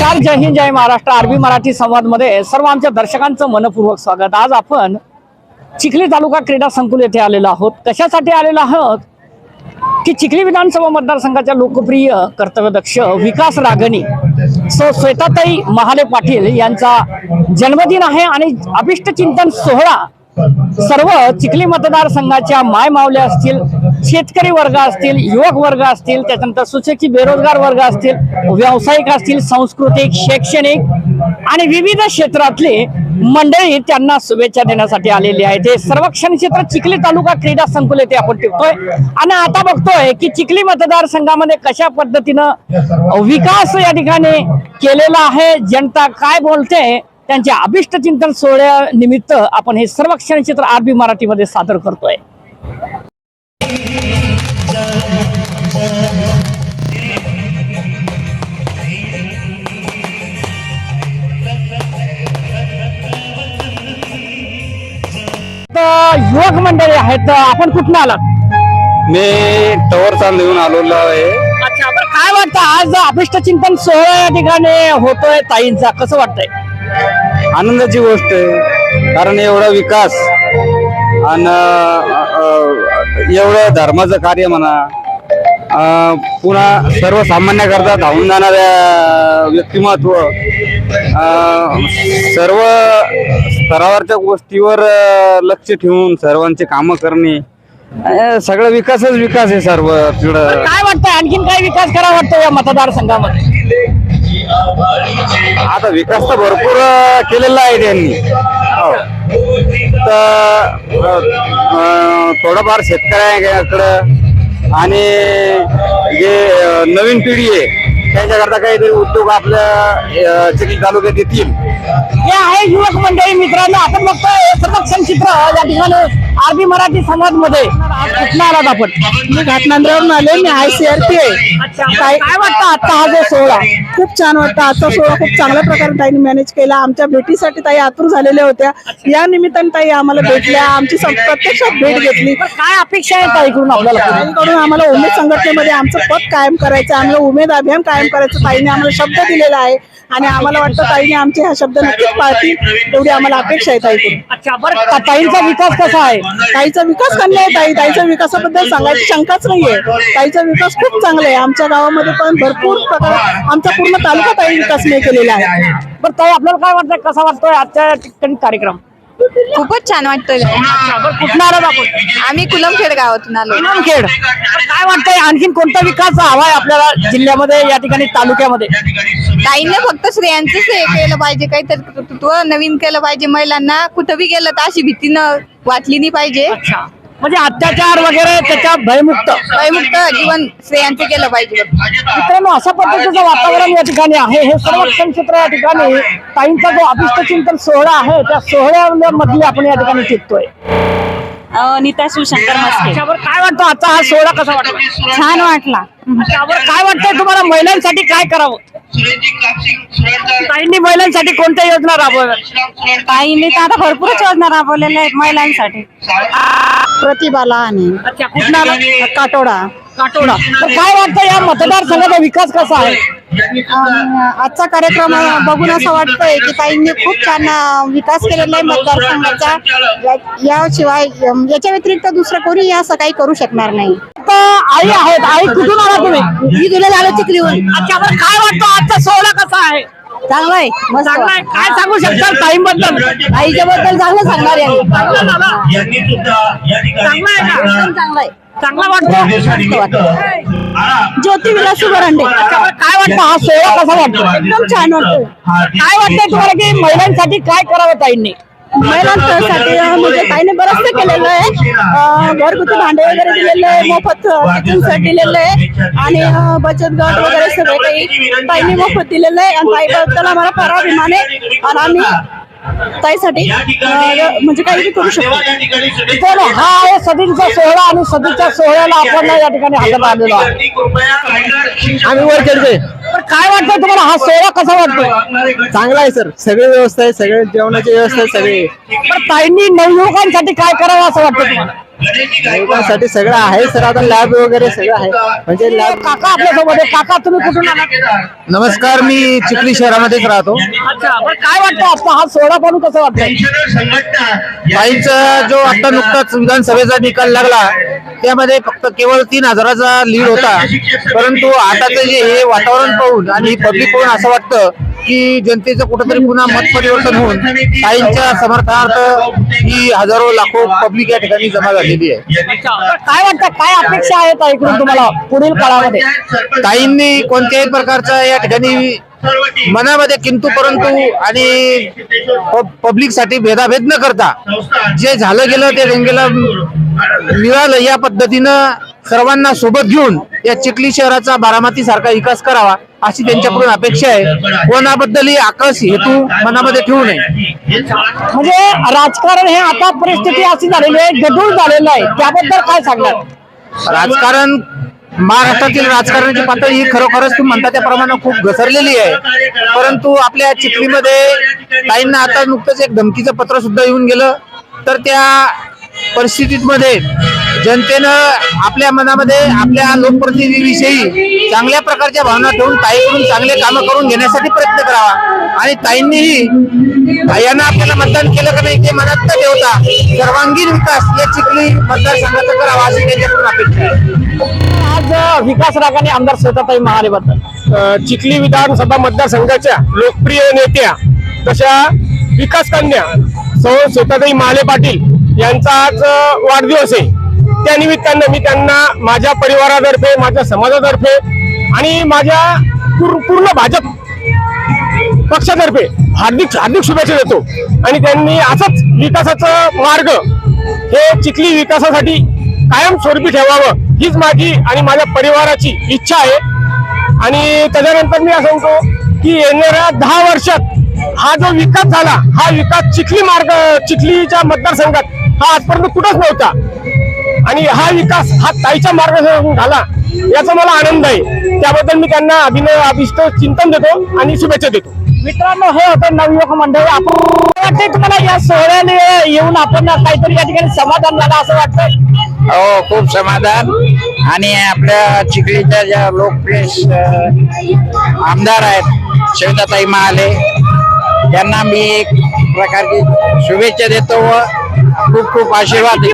नमस्कार, जय हिंद, जय महाराष्ट्र. आरबी मराठी संवाद मध्ये सर्व आमच्या दर्शकांचं मनपूर्वक स्वागत. आज आपण चिखली तालुका क्रीडा संकुल येथे आलेलो आहोत. कशासाठी आलेलो आहोत की चिखली विधानसभा मतदारसंघाच्या लोकप्रिय कर्तव्यदक्ष विकास रागणी श्वेताताई महाले पाटील यांचा जन्मदिन आहे आणि अभिष्ट चिंतन सोहळा सर्व चिखली मतदारसंघाच्या माय मावल्या असतील, शेतकरी वर्ग असतील, युवक वर्ग असतील, त्याच्यानंतर सुशिक्षित बेरोजगार वर्ग असतील, व्यावसायिक असतील, सांस्कृतिक, शैक्षणिक आणि विविध क्षेत्रातले मंडळी त्यांना शुभेच्छा देण्यासाठी आलेली आहेत. हे सर्वक्षण क्षेत्र चिखली तालुका क्रीडा संकुल येथे आपण टिकतोय आणि आता बघतोय की चिखली मतदारसंघामध्ये कशा पद्धतीनं विकास या ठिकाणी केलेला आहे, जनता काय बोलते, त्यांच्या अभिष्ट चिंतन सोहळ्यानिमित्त आपण हे सर्वक्षण चित्र आरबी मराठीमध्ये सादर करतोय. युवक मंडळी आहेत, आपण कुठून आलात? मी टवर चाल घेऊन आलेलो आहे. अच्छा, बरं काय वाटतं आज अभिष्ट चिंतन सोहळा या ठिकाणी होतोय ताईंचा, कसं वाटतंय? आनंदाची गोष्ट आहे, कारण एवढा विकास आणि एवढं धर्माचं कार्य म्हणा, पुन्हा सर्वसामान्याकरता धावून जाणाऱ्या व्यक्तिमत्व, सर्व स्तरावरच्या गोष्टीवर लक्ष ठेवून सर्वांचे कामं करणे, सगळं विकासच विकास आहे सर्व. काय वाटतंय आणखीन काय विकास करा वाटतं या मतदारसंघामध्ये? आता विकास तर भरपूर केलेला आहे त्यांनी, तर थोडंफार शेतकऱ्यांकडं आणि जे नवीन पिढी आहे त्यांच्याकरता काहीतरी उद्योग आपल्या चिखली तालुक्यात येतील. हे आहे युवक मंडळी. मित्रांनो, आपण बघतोय सर्वक्षण चित्र या ठिकाणी आरबी मराठी संवाद मध्ये. कुठं आलात आपण? मी घाटनांद्रावरून आले. मी ICRP आहे. काय वाटतं आता हा जो सोहळा? खूप छान वाटतं. आजचा सोहळा खूप चांगल्या प्रकारे ताईने मॅनेज केला. आमच्या भेटीसाठी ताई आतुर झालेल्या होत्या. या निमित्ताने ताई आम्हाला भेटल्या, आमची प्रत्यक्षात भेट घेतली. काय अपेक्षा आहे ताईकडून आपल्याला? ताईकडून आम्हाला उमेद संघटनेमध्ये आमचं पद कायम करायचं, आम्हाला उमेद अभियान कायम करायचं ताईने आम्हाला शब्द दिलेला आहे आणि आम्हाला वाटतं ताईने आमचे हा शब्द नक्कीच पाळतील एवढी आम्हाला अपेक्षा आहे ताईकडून. अच्छा, बरं ताईंचा विकास कसा आहे? ताईचा विकास चांगला आहे. ताईच्या विकासाबद्दल सांगायची शंकाच नाहीये. ताईचा विकास खूप चांगला आहे. आमच्या गावामध्ये पण भरपूर प्रकारे आमचा पूर्ण तालुका ताई विकास नाही केलेला आहे. बरं ताई, आपल्याला काय वाटतंय, कसा वाटतोय आजच्या ठिकाणी कार्यक्रम? खूपच छान वाटतंय. कुठून आलात आपण? आम्ही कुलमखेड गावातून आलो. कुलमखेड. काय वाटतंय आणखीन कोणता विकास हवाय आपल्याला जिल्ह्यामध्ये, या ठिकाणी तालुक्यामध्ये? ताईने फक्त स्त्रियांचंच हे केलं पाहिजे, काहीतरी कर्तृत्व नवीन केलं पाहिजे. महिलांना कुठं बी गेलं तर अशी भीतीनं वाटली नाही पाहिजे. अच्छा, म्हणजे अत्याचार वगैरे त्याच्या भयमुक्त जीवन स्त्रियांचं केलं पाहिजे. मित्रांनो, अशा पद्धतीचं वातावरण या ठिकाणी आहे. हे सर्वक्षण क्षेत्र या ठिकाणी ताईंचा जो अभिष्ट चिंतन सोहळा आहे त्या सोहळ्यामध्ये आपण या ठिकाणी टिकतोय. नीता शिवशंकर मस्के. त्याच्यावर काय वाटतं आजचा हा सोहळा कसा वाटला? छान वाटला. त्यावर काय वाटतंय तुम्हाला, महिलांसाठी काय करावं? ताईंनी महिलांसाठी कोणत्या योजना राबवल्या? ताईंनी तर आता भरपूरच योजना राबवलेल्या आहेत महिलांसाठी. प्रतिभाला आणि अच्छा, कुठला? काटोडा. काटोडा. तर काय वाटतं या मतदारसंघाचा विकास कसा आहे? आजचा कार्यक्रम बघून असं वाटतंय की ताईंनी खूप छान विकास केलेला आहे मतदारसंघाचा. याशिवाय याच्या व्यतिरिक्त दुसरं कोणी असं काही करू शकणार नाही. आई आहेत. आई, कुठून आला तुम्ही? मी तुला झालं चिखलीहून. अच्छा, बरं काय वाटतं आजचा सोहळा कसा आहे? चांगला आहे, मस्त. चांगला आहे. काय सांगू शकता ताईंबद्दल? ताईच्या बद्दल चांगलं सांगणार आहे. चांगला आहे का? चांगला आहे, चांगला वाटतं. ज्योती विलास सुबरांडे. काय वाटतं हा सोहळा कसा वाटतो? एकदम छान वाटतं. काय वाटतंय तुम्हाला की महिलांसाठी काय करावं ताईंनी? महिलांसाठी म्हणजे ताईने बरंचसं केलेलं आहे. घरगुती भांडे वगैरे दिलेले आहे, मोफत किचन सेट दिलेलं आहे आणि बचत गट वगैरे सगळे काही ताईने मोफत दिलेलं आहे. आणि ताईबद्दल आम्हाला फार अभिमान आहे आणि आम्ही ताईसाठी म्हणजे काही करू शकतो. हा आहे सदींचा सोहळा आणि सदीच्या सोहळ्याला आपण या ठिकाणी हजर आलेलो आहोत. आम्ही वर खेळतोय. काय वाटतं तुम्हाला, हा सोहळा कसा वाटतोय? चांगला आहे सर, सगळी व्यवस्था आहे, सगळे जेवणाची व्यवस्था आहे सगळी. पण ताईंनी नवयुवकांसाठी काय करावं असं वाटतं तुम्हाला? युवकांसाठी सगळं आहे सर. आता लॅब वगैरे सगळं आहे. म्हणजे लॅब. काका आपल्यासोबत आहे. काका तुम्ही कुठून आलात? नमस्कार, मी चिखली शहरामध्येच राहतो. अच्छा, बरं काय वाटतं आता हा सोहळा पाहून कसं वाटतंय? ताईंचा जो आता नुकताच विधानसभेचा निकाल लागला त्यामध्ये फक्त केवळ 3,000चा लीड होता. परंतु आताचं जे हे वातावरण पाहून आणि पब्लिक पाहून असं वाटतं की जनतेचं कुठंतरी पुन्हा मत परिवर्तन होऊन ताईंच्या समर्थनार्थ ही हजारो लाखो पब्लिक या ठिकाणी जमा झालेली आहे. काय वाटतं, काय अपेक्षा आहेत ऐकून तुम्हाला पुढील काळामध्ये? ताईंनी कोणत्याही प्रकारचा या ठिकाणी मनामध्ये किंतु परंतु आणि पब्लिक साठी भेदाभेद न करता जे झालं गेलं ते गंगेला मिळालं या पद्धतीनं सर्वांना सोबत घेऊन या चिखली शहराचा बारामती सारखा विकास करावा अशी त्यांच्याकडून अपेक्षा आहे. कोणाबद्दलही आकस हेतू मनामध्ये ठेवू नये. म्हणजे राजकारण हे आता परिस्थिती अशी झालेली आहे, गढूळ झालेलं आहे, त्याबद्दल काय सांगणार? राजकारण महाराष्ट्रातील राजकारणाची पातळी ही खरोखरच तुम्ही म्हणता त्याप्रमाणे खूप घसरलेली आहे. परंतु आपल्या चिखलीमध्ये ताईंना आता नुकतंच एक धमकीचं पत्र सुद्धा येऊन गेलं. तर त्या परिस्थितीमध्ये जनतेनं आपल्या मनामध्ये आपल्या लोकप्रतिनिधीविषयी चांगल्या प्रकारच्या भावना ठेवून ताईकडून चांगले कामं करून घेण्यासाठी प्रयत्न करावा. आणि ताईंनीही यांना आपल्याला मतदान केलं का नाही ते मनात न ठेवता सर्वांगीण विकास या चिखली मतदारसंघाचा करावा अशी त्यांच्याकडून अपेक्षा आहे. आज विकास रागाने आमदार श्वेताताई महालेबद्दल चिखली विधानसभा मतदारसंघाच्या लोकप्रिय नेत्या तशा विकास कन्या सौ श्वेताताई महाले पाटील यांचा आज वाढदिवस आहे. त्या निमित्तानं मी त्यांना माझ्या परिवारातर्फे, माझ्या समाजातर्फे आणि माझ्या पूर्ण भाजप पक्षातर्फे हार्दिक हार्दिक शुभेच्छा देतो. आणि त्यांनी असंच विकासाचं मार्ग हे चिखली विकासासाठी कायमस्वरूपी ठेवावं हीच माझी आणि माझ्या परिवाराची इच्छा आहे. आणि त्याच्यानंतर मी असं म्हणतो की येणाऱ्या 10 वर्षात हा जो विकास झाला, हा विकास चिखलीच्या मतदारसंघात हा आजपर्यंत कुठंच नव्हता. आणि हा विकास हा ताईच्या मार्गदर्शनातून झाला याचा मला आनंद आहे. त्याबद्दल मी त्यांना अभिष्ट चिंतन देतो आणि शुभेच्छा देतो. मित्रांनो, हे होतं नवयुवक मंडळ. आपण वाटतंय तुम्हाला या सोहळ्याने येऊन आपण काहीतरी या ठिकाणी समाधान झालं असं वाटतंय? हो, खूप समाधान. आणि आपल्या चिखलीच्या ज्या लोकप्रिय आमदार आहेत श्वेताताई महाले त्यांना मी एक प्रकारची शुभेच्छा देतो व खूप खूप आशीर्वाद